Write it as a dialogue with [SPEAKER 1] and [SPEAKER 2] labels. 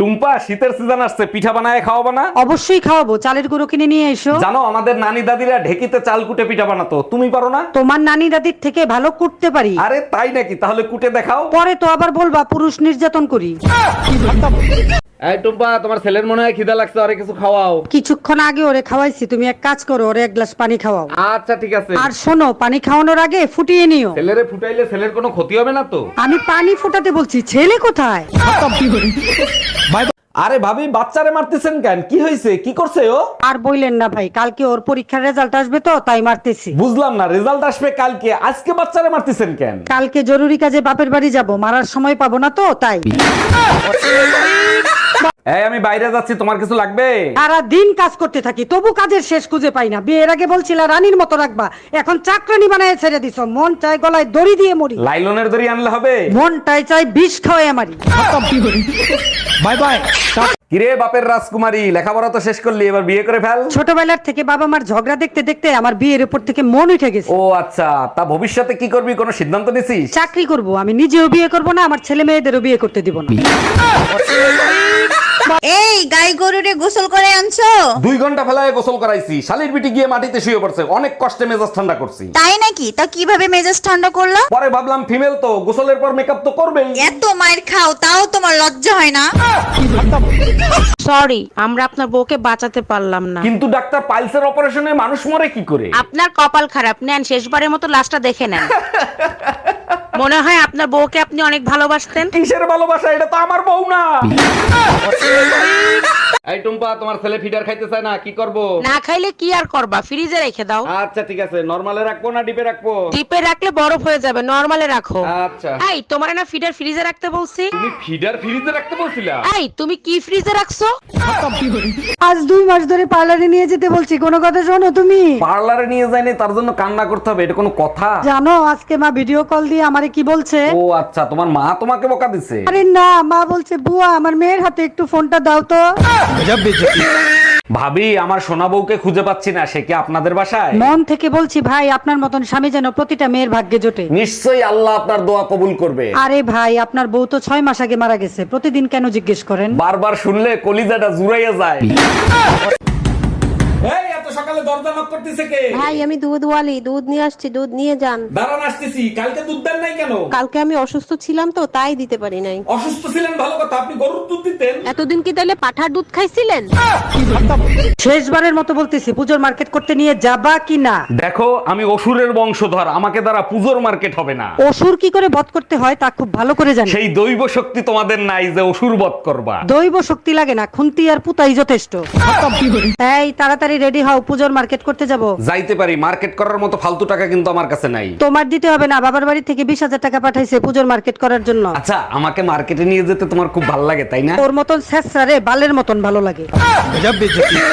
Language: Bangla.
[SPEAKER 1] টুম্পা, শীতের সিজন আসছে, পিঠা বানায় খাওয়াবো না?
[SPEAKER 2] অবশ্যই খাওয়াবো, চালের গুঁড়ো কিনে নিয়ে এসো।
[SPEAKER 1] জানো আমাদের নানি দাদিরা ঢেকিতে চাল কুটে পিঠা বানাতো, তুমি পারো না?
[SPEAKER 2] তোমার নানি দাদির থেকে ভালো কুটতে পারি।
[SPEAKER 1] আরে তাই নাকি? তাহলে কুটে দেখাও।
[SPEAKER 2] পরে তো আবার বলবা পুরুষ নির্যাতন করি।
[SPEAKER 1] এই টুম্পা, তোমার ছেলের মনে হয় খিদা লাগছে, আরে কিছু খাওয়াও।
[SPEAKER 2] কিছুক্ষণ আগে ওরে খাওয়াইছি, তুমি এক কাজ করো, ওরে এক গ্লাস পানি খাওয়াও।
[SPEAKER 1] আচ্ছা ঠিক আছে।
[SPEAKER 2] আর শোনো, পানি খাওয়ানোর আগে ফুটিয়ে নিও।
[SPEAKER 1] ছেলেরে ফুটাইলে ছেলের কোনো ক্ষতি হবে না তো?
[SPEAKER 2] আমি পানি ফুটাতে বলছি, ছেলে কোথায়?
[SPEAKER 1] আরে ভাবি, বাচ্চারে মারতেছেন কেন? কি হয়েছে? কি করছে ও?
[SPEAKER 2] আর বইলেন না ভাই, কালকে ওর পরীক্ষার রেজাল্ট আসবে তো তাই মারতেছি।
[SPEAKER 1] বুঝলাম না, রেজাল্ট আসবে কালকে, আজকে বাচ্চারে মারতেছেন কেন?
[SPEAKER 2] কালকে জরুরি কাজে বাপের বাড়ি যাব, মারার সময় পাবো না তো তাই।
[SPEAKER 1] এই আমি বাইরে যাচ্ছি, তোমার কিছু লাগবে?
[SPEAKER 2] সারা দিন কাজ করতে থাকি, তবু কাজের শেষ খুঁজে পাই না। বিয়ের আগে বলছিলা রানীর মতো রাখবা, এখন চাকরানি বানায় ছেড়ে দিছো। মন চাই গলায় দড়ি দিয়ে মরি,
[SPEAKER 1] লাইলনের দড়ি আনলে হবে?
[SPEAKER 2] মনটাই চাই বিষ খাওয়াই মারি।
[SPEAKER 1] Bye bye. কিরে বাপের রাজকুমারী, লেখাপড়া তো শেষ করলি, এবার বিয়ে করে ফেল।
[SPEAKER 2] ছোটবেলার থেকে বাবা মার ঝগড়া দেখতে দেখতে আমার বিয়ের উপর থেকে মন উঠে গেছে।
[SPEAKER 1] ও আচ্ছা, তা ভবিষ্যতে কি করবি, কোনো সিদ্ধান্ত নিছিস?
[SPEAKER 2] চাকরি করব, আমি নিজেও বিয়ে করব না, আমার ছেলে মেয়েদেরও বিয়ে করতে দিব না।
[SPEAKER 3] এই গাই গরুরে গোসল করে আনছো?
[SPEAKER 1] 2 ঘন্টা ফেলায় গোসল করাইছি, শালির বিটি গিয়ে মাটিতে শুয়ে পড়ছে, অনেক কষ্টে মেজাজ ঠান্ডা করছি।
[SPEAKER 3] তাই নাকি? তা কিভাবে মেজাজ ঠান্ডা করলো?
[SPEAKER 1] পরে ভাবলাম ফিমেল তো, গোসলের পর মেকআপ তো করবেই।
[SPEAKER 3] এত মায়ের খাও তাও তোমার লজ্জা হয় না?
[SPEAKER 4] সরি, আমরা আপনার বউকে বাঁচাতে পারলাম না।
[SPEAKER 1] কিন্তু ডাক্তার, পাইলসের অপারেশনে মানুষ মরে কি করে?
[SPEAKER 4] আপনার কপাল খারাপ, নেন শেষবারের মতো লাশটা দেখে নেন। মনে হয় আপনার বউকে আপনি অনেক ভালোবাসতেন।
[SPEAKER 1] কিসের ভালোবাসা? এটা তো আমার বউ না। এই টুম্পা, তোমার ছেলে ফিডার খাইতে চায় না, কি করব?
[SPEAKER 4] না খাইলে কি আর করবা, ফ্রিজে রেখে দাও।
[SPEAKER 1] আচ্ছা ঠিক আছে, নরমালে রাখবো না ডিপে রাখবো?
[SPEAKER 4] ডিপে রাখলে বরফ হয়ে যাবে, নরমালে রাখো।
[SPEAKER 1] আচ্ছা।
[SPEAKER 4] এই তোমার না ফিডার ফ্রিজে রাখতে বলছি?
[SPEAKER 1] তুমি ফিডার ফ্রিজে রাখতে বলছিলা?
[SPEAKER 4] এই তুমি কি ফ্রিজে রাখছো?
[SPEAKER 2] আজ 2 মাস ধরে পার্লারে নিয়ে যেতে বলছি, কোনো কথা শোনো তুমি?
[SPEAKER 1] পার্লারে নিয়ে যায়নি, তার জন্য কান্না করতে হবে? এটা কোনো কথা?
[SPEAKER 2] জানো আজকে মা ভিডিও কল দিয়ে আমারে কি বলছে?
[SPEAKER 1] ও আচ্ছা, তোমার মা তোমাকে বকা দিছে?
[SPEAKER 2] আরে না, মা বলছে বুয়া আমার মেয়ের হাতে একটু ফোনটা দাও তো।
[SPEAKER 1] ভাবি, আমার সোনা বউকে খুঁজে পাচ্ছি না, সে কি আপনাদের বাসায়?
[SPEAKER 2] মন থেকে বলছি ভাই, আপনার মতন স্বামী যেন প্রতিটা মেয়ের ভাগ্যে জোটে।
[SPEAKER 1] নিশ্চয়ই আল্লাহ আপনার দোয়া কবুল করবে।
[SPEAKER 2] আরে ভাই, আপনার বউ তো 6 মাস আগে মারা গেছে, প্রতিদিন কেন জিজ্ঞেস করেন?
[SPEAKER 1] বারবার শুনলে কলিজাটা জুড়াইয়া যায়। এই এত সকালে দরজা নক করতেছে কে?
[SPEAKER 5] ভাই আমি দুধওয়ালি, দুধ নিয়ে আসছি, দুধ নিয়ে যান।
[SPEAKER 1] দাঁড়ান আসতেছি। কালকে দুধ দেন নাই কেন?
[SPEAKER 5] কালকে আমি অসুস্থ ছিলাম তো তাই দিতে পারি নাই।
[SPEAKER 1] অসুস্থ ছিলেন ভালো কথা, আপনি গরুর দুধ দিতেন।
[SPEAKER 5] এতদিন কি তাহলে পাঠার দুধ খাইছিলেন?
[SPEAKER 2] শেষবারের মতো বলতেছি, পুজোর মার্কেট করতে নিয়ে যাবা কি না?
[SPEAKER 1] দেখো, আমি অসুরের বংশধর, আমাকে দ্বারা পুজোর মার্কেট হবে না।
[SPEAKER 2] অসুর কি করে বধ করতে হয় তা খুব ভালো করে জানি।
[SPEAKER 1] সেই দৈব শক্তি তোমাদের নাই যে অসুর বধ করবা।
[SPEAKER 2] দৈব শক্তি লাগে না, খুন্তি আর পুতাই যথেষ্ট। এই তাড়াতাড়ি রেডি হও, পুজোর মার্কেট করতে যাব।
[SPEAKER 1] যাইতে পারি, মার্কেট করার মতো ফালতু টাকা কিন্তু আমার কাছে নাই।
[SPEAKER 2] তোমার দিতে হবে না, বাবার বাড়ি থেকে 20,000 টাকা পাঠাইছে পুজোর মার্কেট করার জন্য।
[SPEAKER 1] আচ্ছা, আমাকে মার্কেটে নিয়ে যেতে তোমার খুব ভালো লাগে তাই না?
[SPEAKER 2] ওর মতন ছেঁচড়া রে বালের মতন ভালো লাগে।